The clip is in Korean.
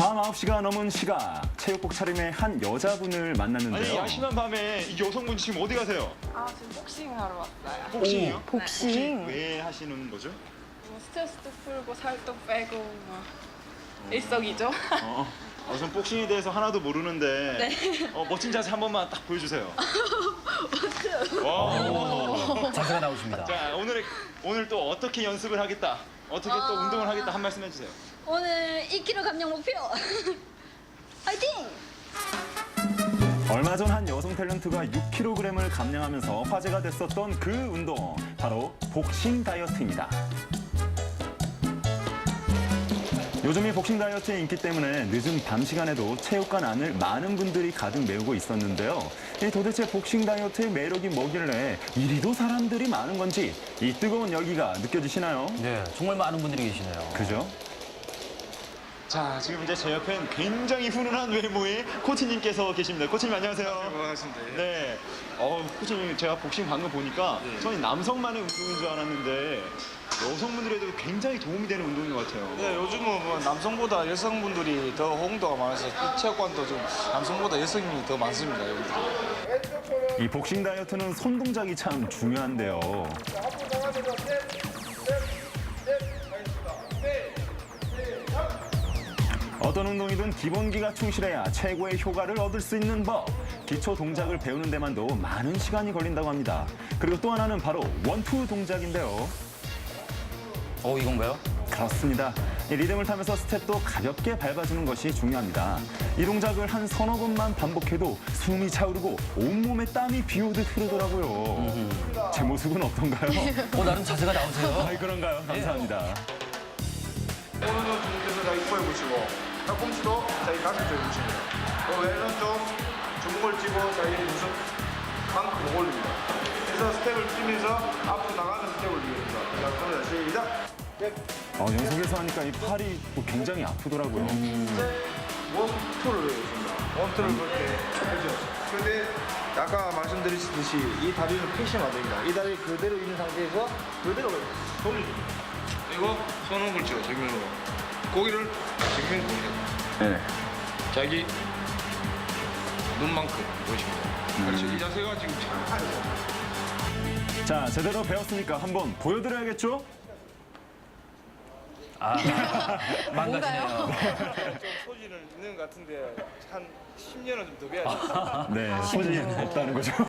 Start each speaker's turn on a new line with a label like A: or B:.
A: 밤 9시가 넘은 시각, 체육복 차림의 한 여자분을 만났는데요.
B: 아니 야심한 밤에 이 여성분 지금 어디 가세요?
C: 아, 지금 복싱 하러 왔어요.
B: 복싱이요?
D: 복싱.
B: 왜 하시는 거죠?
C: 뭐 스트레스도 풀고 살도 빼고 뭐 일석이조.
B: 전 복싱에 대해서 하나도 모르는데 멋진 자세 한 번만 딱 보여주세요. 와.
E: 자세가 나오십니다.
B: 자 오늘 또 어떻게 연습을 하겠다, 어떻게 또 운동을 하겠다 한 말씀 해주세요.
D: 오늘 2kg 감량 목표. 화이팅!
A: 얼마 전 한 여성 탤런트가 6kg을 감량하면서 화제가 됐었던 그 운동, 바로 복싱 다이어트입니다. 요즘 이 복싱 다이어트의 인기 때문에 늦은 밤 시간에도 체육관 안을 많은 분들이 가득 메우고 있었는데요. 도대체 복싱 다이어트의 매력이 뭐길래 이리도 사람들이 많은 건지 이 뜨거운 열기가 느껴지시나요?
E: 네, 정말 많은 분들이 계시네요.
A: 그죠?
B: 자 지금 이제 제 옆엔 굉장히 훈훈한 외모의 코치님께서 계십니다. 코치님 안녕하세요.
F: 반갑습니다.
B: 네. 코치님 제가 복싱 방금 보니까 저는 남성만의 운동인 줄 알았는데 여성분들에도 굉장히 도움이 되는 운동인 것 같아요.
F: 네, 요즘은 뭐 남성보다 여성분들이 더 호응도가 많아서 이 체육관도 좀 남성보다 여성이 더 많습니다. 여기도.
A: 이 복싱 다이어트는 손 동작이 참 중요한데요. 어떤 운동이든 기본기가 충실해야 최고의 효과를 얻을 수 있는 법. 기초 동작을 배우는 데만도 많은 시간이 걸린다고 합니다. 그리고 또 하나는 바로 원투 동작인데요.
E: 이건가요?
A: 그렇습니다. 이 리듬을 타면서 스텝도 가볍게 밟아주는 것이 중요합니다. 이 동작을 한 서너 번만 반복해도 숨이 차오르고 온몸에 땀이 비오듯 흐르더라고요. 제 모습은 어떤가요?
E: 나름 자세가 나오세요.
A: 아이, 그런가요? 감사합니다.
F: 오른손 주먹에서 자기 코에 붙이고 팔꿈치도 자기 가슴 쪽에 붙입니다. 또 왼손 좀 주먹을 쥐고 자기 무릎 만큼 올립니다. 그래서 스텝을 뛰면서 앞으로 나가는 스텝을 이용해서 자, 그럼 시작!
A: 연속해서 하니까 이 팔이 또 굉장히 아프더라고요.
F: 원투를 해줍니다. 원투를 그렇게 해줘. 근데 아까 말씀드렸듯이 이 다리는 패시면 안 됩니다. 이 다리 그대로 있는 상태에서 그대로 돌립니다. 그리고 손목을 쥐어 정면으로 고기를 정면으로 보내고
A: 네.
F: 자기 눈만큼 보십니다. 그렇죠. 이 자세가 지금 정확하죠.
A: 자, 제대로 배웠으니까 한번 보여드려야겠죠?
E: 망가지네요.
F: 좀 소질은 있는 것 같은데 한 10년은 좀 더 배워야 돼요.
A: 네, 소질이 없다는 거죠.